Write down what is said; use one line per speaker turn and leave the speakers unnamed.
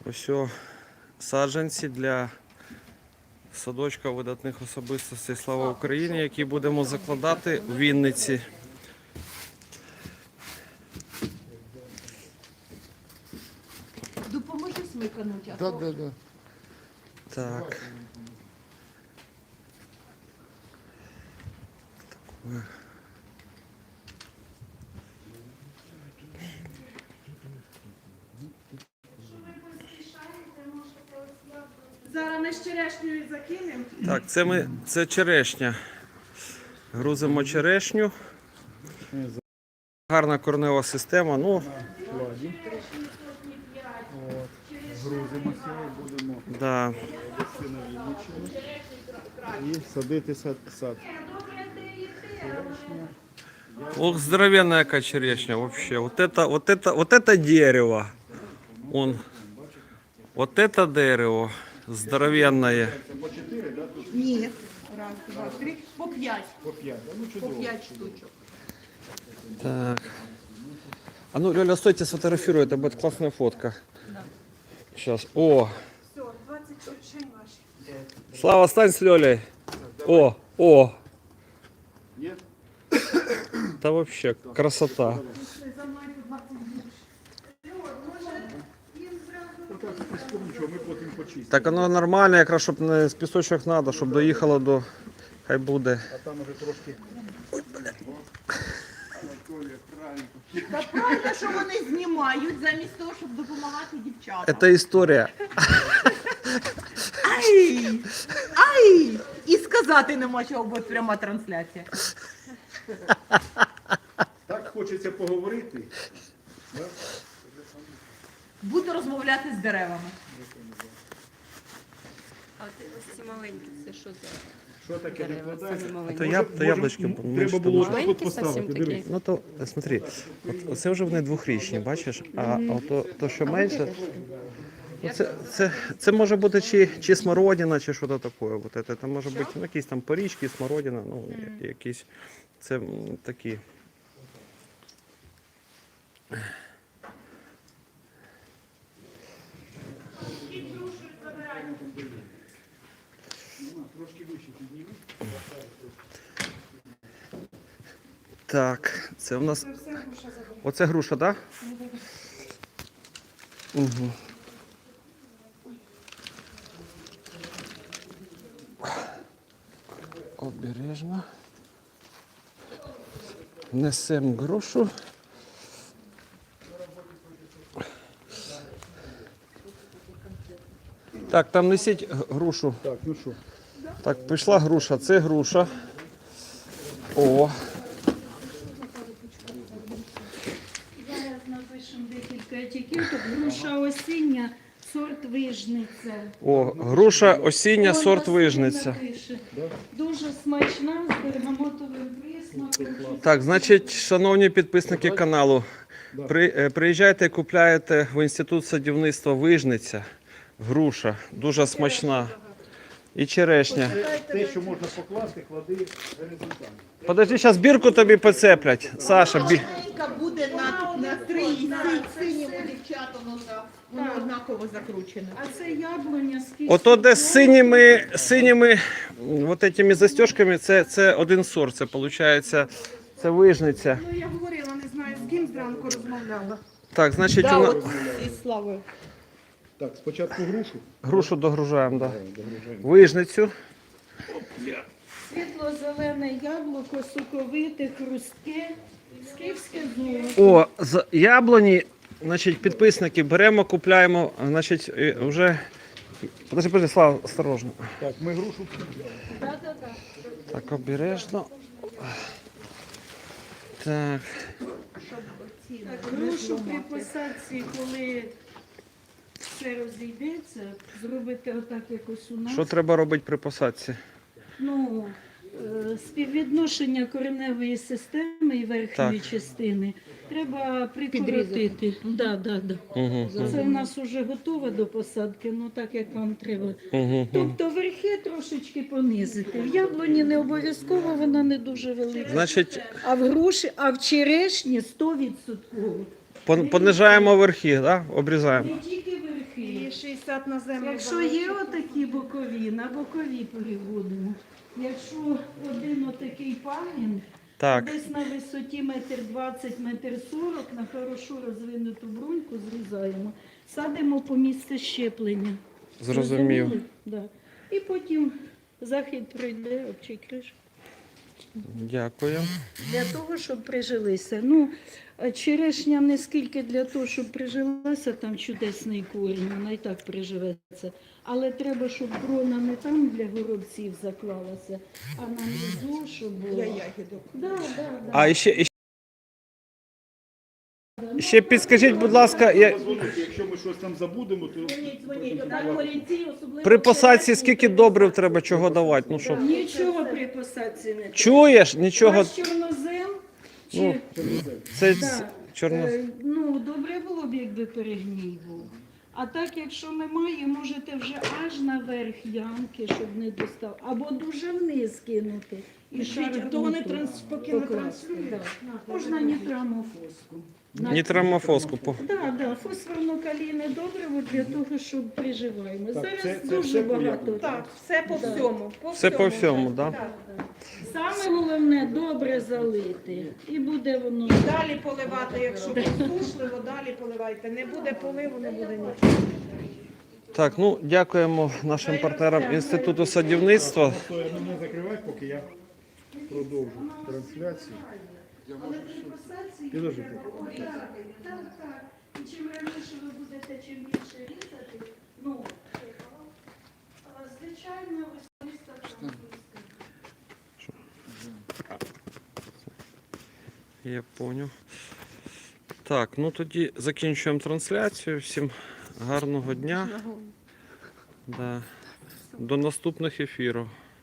Ось саджанці для садочка видатних особистостей «Слава Україні», які будемо закладати в Вінниці.
Допоможи смикануть.
Да.
Так.
Зараз ми з черешнею закинемо.
Так, це черешня. Грузимо черешню. Гарна коренева система. Ну,
Грузимося і будемо
да.
вести на Вінниччину і садити сад.
Ох, здоровенная яка черешня вообще. Вот это дерево. Вот это дерево здоровенное.
Ні. Раз, два, три. По 5.
По 5, ну
По
чудово.
5 штучок.
Так. А ну, Лёля, стойте, сфотографирую, это будет классная фотка. Сейчас. О,
Все, 20 черешень ваші.
Слава, стань с Лёлей. О.
Є?
Да вообще красота.
За мною 20 більше.
Нічого, ми потім почистимо.
Так оно нормально, якраз щоб не з пісочок треба, щоб доїхало до. Хай буде.
А там уже трошки.
Та правда, що вони знімають замість того, щоб допомагати дівчатам.
Це історія.
Ай! І сказати нема чого, бо пряма трансляція.
Так хочеться поговорити.
Буду розмовляти з деревами.
А ось ці маленькі, це що за
Що таке
дерева?
викладається?
Самі
То
маленькі.
яблучки
Треба
менше
було
тому.
отак от
Маленькі
поставити,
зовсім
дивись.
такі.
Ну то смотри, це вже вони двохрічні, бачиш? А то, що менше, ну, це може бути чи смородина, чи щось таке. Вот це може бути ну, якісь там порічки, смородина, ну якісь це такі. Так, це в нас. Оце груша, так? Угу. Обережно. Несемо грушу. Так, там несіть грушу.
Так, ну що?
Так, пішла груша, це груша. О.
Зараз напишемо декілька етикеток. Груша осіння, сорт вижниця.
О, груша осіння,
Вон
сорт
Василь
вижниця.
напише. Дуже смачна, з бергамотовим присмаком.
Так, значить, шановні підписники каналу, приїжджайте, купляєте в Інститут садівництва Вижниця. Груша, дуже смачна. І черешня.
Те, що можна покласти, клади горизонтально.
Подожди, зараз бірку тобі поцеплять. Саша,
Маленька буде на 3 і синьому дівчатам воно однаково закручене.
А це яблуня з кістю.
ото де з синіми вот этими застежками, це один сорт, це виходить, це Вижниця.
Ну я говорила, не знаю, з ким зранку розмовляла.
Так, значить,
Да,
у нас...
от із Славою.
Так, спочатку грушу.
грушу догружаємо, да.
Догружаємо.
Вижницю.
Світло-зелене яблуко, соковите, хрустке, скіфське золото.
О, з яблуні, значить, підписники беремо, купляємо, значить, вже... Подожди, Слава, осторожно.
Так, ми грушу.
Так, обережно. Так,
Так, грушу при посадці, коли все розійдеться, зробити отак якось у нас.
що треба робити при посадці?
Ну, співвідношення кореневої системи і верхньої
Так.
частини треба прикоротити. Да.
Угу.
Це в нас вже готове до посадки, ну так як вам треба.
Угу.
Тобто верхи трошечки понизити. В яблуні не обов'язково, вона не дуже велика.
Значить,
А в груші, а в черешні 100%.
понижаємо верхи, да? Обрізаємо.
Не тільки верхи.
І 60 на землю.
Якщо є отакі бокові, на бокові переводимо. Якщо один отакий пагін,
Так,
десь на висоті 1,20 м, 1,40 м, на хорошо розвинуту бруньку зрізаємо, садимо по місце щеплення.
зрозумів.
Зрозуміли? Да. І потім захід пройде, обчекриш.
Дякую.
Для того, щоб прижилися. Ну, черешня не скільки для того, щоб прижилася, там чудесний корінь, вона і так приживеться. Але треба, щоб крона не там для горобців заклалася, а на низу, щоб було.
Для ягідок.
Да, да, да.
А ще підскажіть, будь ласка,
Якщо ми щось там забудемо, то
Дзвоніть,
Так, корінці, особливо
при посадці
черешні,
скільки добрив треба, чого давати? Ну, щоб...
Нічого при посадці не треба.
Чуєш? Нічого.
Ваш чорнозем чи...
Ну, це
Да.
чорно.
Ну, добре було б, якби перегній був. А так, якщо немає, можете вже аж наверх ямки, щоб не достав. Або дуже вниз кинути. І шар
то вони
ґрунту
поки не
покласти,
транслюють.
да. Можна нітрамофоску.
Нітрамофоску.
Так, фосфорно-калійне добриво для того, щоб приживаємо.
Так,
Зараз
це
дуже
все
багато.
Так, все по
Да.
всьому.
Все по всьому, так? Да?
Саме головне добре залити. І буде воно.
Далі поливати, якщо посушливо, далі поливайте. Не буде поливу, не буде нічого.
Так, ну дякуємо нашим партнерам Інституту садівництва.
мене закривати, поки я продовжу трансляцію.
Але при посадці
Підожди.
так. І чим раніше ви будете, чим більше різати, ну, звичайно, виставка.
Я поняв. Так, ну тоді закінчуємо трансляцію. Всім гарного дня. Да. До наступних ефірів.